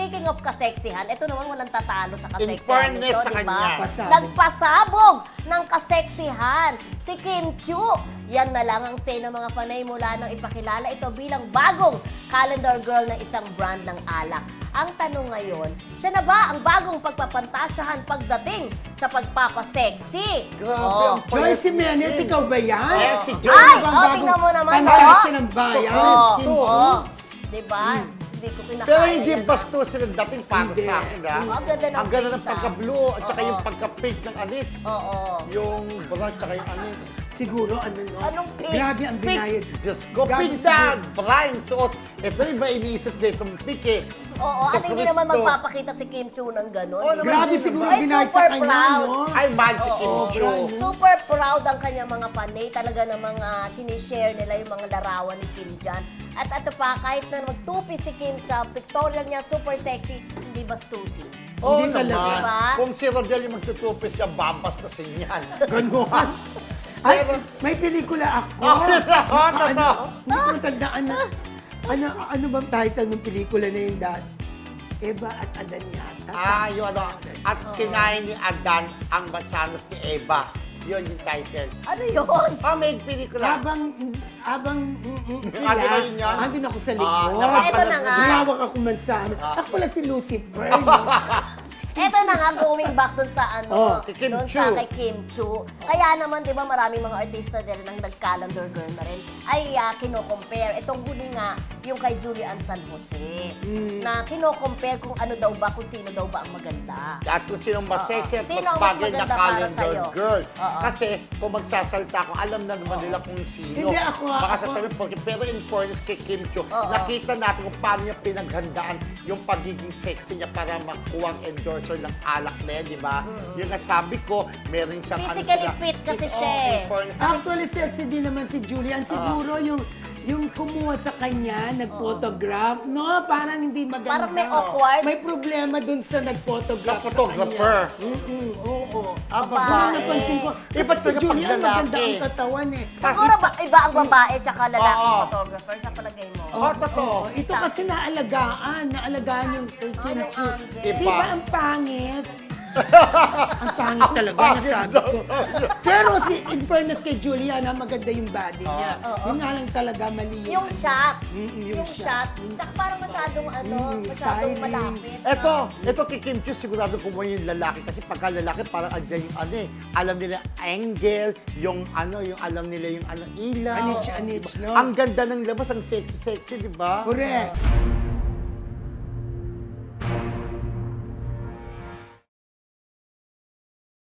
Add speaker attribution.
Speaker 1: speaking of kaseksihan, ito naman walang tatalo sa kaseksihan.
Speaker 2: In fairness
Speaker 1: nito,
Speaker 2: sa
Speaker 1: diba?
Speaker 2: kanya.
Speaker 3: Pasabog.
Speaker 1: Nagpasabog ng kaseksihan si Kim Chiu. Yan na lang ang say ng mga fanay mula nang ipakilala ito bilang bagong calendar girl ng isang brand ng alak. Ang tanong ngayon, siya na ba ang bagong pagpapantasyahan pagdating sa pagpapaseksi?
Speaker 2: Grabe, ang
Speaker 3: Joy Jimenez, ikaw ba yan?
Speaker 2: Eh, si Joy.
Speaker 1: Ay,
Speaker 3: Ano bang bagong
Speaker 1: tingnan mo naman,
Speaker 3: pantasya ng bayan?
Speaker 2: So,
Speaker 3: Kim
Speaker 2: oo.
Speaker 3: Chiu?
Speaker 1: Diba? Hindi ko kinakaya.
Speaker 2: Pero hindi
Speaker 1: yan,
Speaker 2: bastos sila dating para
Speaker 3: Hindi.
Speaker 2: sa akin, ha?
Speaker 1: Ang ganda ng
Speaker 2: Ang ganda ng
Speaker 1: pizza.
Speaker 2: pagka-blue at saka
Speaker 1: Oo.
Speaker 2: yung pagka-pink ng anits.
Speaker 1: Oo.
Speaker 2: Yung brown at saka yung anits.
Speaker 3: Siguro, ano no?
Speaker 1: Anong pink?
Speaker 3: Grabe ang binayad.
Speaker 2: Diyos ko,
Speaker 3: Grabe
Speaker 2: pink na! Brian, suot. Ito yung ba iniisip na itong pink eh.
Speaker 1: Oo,
Speaker 2: Sa
Speaker 1: at hindi naman
Speaker 2: Cristo.
Speaker 1: magpapakita si Kim Chiu ng gano'n.
Speaker 2: Oo naman.
Speaker 3: Grabe
Speaker 2: Hindi
Speaker 3: siguro
Speaker 2: naman.
Speaker 3: ang
Speaker 1: Ay,
Speaker 3: binayad sa
Speaker 1: super
Speaker 3: kanya,
Speaker 1: proud.
Speaker 3: no?
Speaker 2: Ay, mahal si Kim
Speaker 1: Oo.
Speaker 2: Chiu.
Speaker 1: Super proud ang kanyang mga fanay. Talaga namang sinishare nila yung mga larawan ni Kim dyan. At ito pa, kahit na magtupi si Kim sa pictorial niya, super sexy, hindi bastusin.
Speaker 2: Oo
Speaker 3: Hindi talaga.
Speaker 2: naman.
Speaker 1: Diba?
Speaker 2: Kung si Rodel yung magtutupis siya, babastasin yan.
Speaker 3: Ganon. Ay, may pelikula ako.
Speaker 2: Oo, totoo.
Speaker 3: Hindi ko matandaan na. Ano bang title ng pelikula na yun dati? Eva at Adan yata.
Speaker 2: Yun ano. At kinain ni Adan ang mansanas ni Eva. Yun yung title.
Speaker 1: Ano yun?
Speaker 2: May pelikula.
Speaker 3: Habang sila,
Speaker 2: Ate ba yun yun?
Speaker 3: andun ako sa likod.
Speaker 2: napapanood
Speaker 1: Eto na nga.
Speaker 3: Ginawak ako man sa amin. Ako pala si Lucifer.
Speaker 1: Eto na nga, going back dun sa
Speaker 3: Oh,
Speaker 2: kay Kim
Speaker 1: dun
Speaker 2: Chiu.
Speaker 1: sa kay Kim Chiu. Kaya naman, di ba, maraming mga artista din nang nag-calendar girl na rin, ay kino-compare. Itong huli nga, yung kay Julian San Jose, na kino-compare kung ano daw ba, kung sino daw ba ang maganda.
Speaker 2: At kung sinong mas sexy at
Speaker 1: Sino
Speaker 2: mas
Speaker 1: ang mas
Speaker 2: bagay na
Speaker 1: maganda para
Speaker 2: calendar
Speaker 1: sa'yo?
Speaker 2: girl.
Speaker 1: Oo.
Speaker 2: Kasi kung magsasalita ako, alam na naman nila kung sino.
Speaker 3: Hindi, ako-
Speaker 2: Baka
Speaker 3: ako-
Speaker 2: sasabihin, pero in fairness kay Kim Chiu,
Speaker 1: Oo.
Speaker 2: nakita natin kung paano niya pinaghandaan yung pagiging sexy niya para makuha ang endorser ng alak na yan, di ba? Yung nga sabi ko, meron siyang
Speaker 1: Physically fit kasi siya eh.
Speaker 2: in fairness.
Speaker 3: Actually, sexy din naman si Julian. Siguro yung kumuha sa kanya, nag-photograph, no? Parang hindi maganda.
Speaker 1: Parang may awkward.
Speaker 3: May problema dun sa nag-photograph
Speaker 2: Sa photographer.
Speaker 3: kanya. Oo.
Speaker 2: Ah,
Speaker 1: Babae.
Speaker 3: Yun ang napansin ko.
Speaker 2: Eh, ba't
Speaker 3: Kasi si
Speaker 2: sa'yo
Speaker 3: Julian,
Speaker 2: pag lalaki?
Speaker 3: maganda ang katawan eh.
Speaker 1: Siguro ba, iba ang babae tsaka lalaki
Speaker 2: Oo.
Speaker 1: photographer sa palagay mo?
Speaker 2: Totoo.
Speaker 3: Ito kasi naalagaan yung kay Kim
Speaker 1: Anong
Speaker 3: Chiu.
Speaker 1: angle?
Speaker 3: Di ba ang pangit? Ang pangit talaga, nasabi ko. Pero in fairness kay Julian, maganda yung body niya. Yun nga lang talaga mali
Speaker 1: Yung shot.
Speaker 3: yung
Speaker 1: Yung shot. Tsaka parang masyadong masyadong
Speaker 3: styling.
Speaker 1: malapit.
Speaker 2: Ito kay Kim Chiu, sigurado kumuha yung lalaki. Kasi pagka lalaki, parang andyan yung alam nila angle, yung alam nila yung ilaw.
Speaker 3: Anich, no?
Speaker 2: Ang ganda ng labas, ang sexy-sexy, di ba?
Speaker 3: Correct.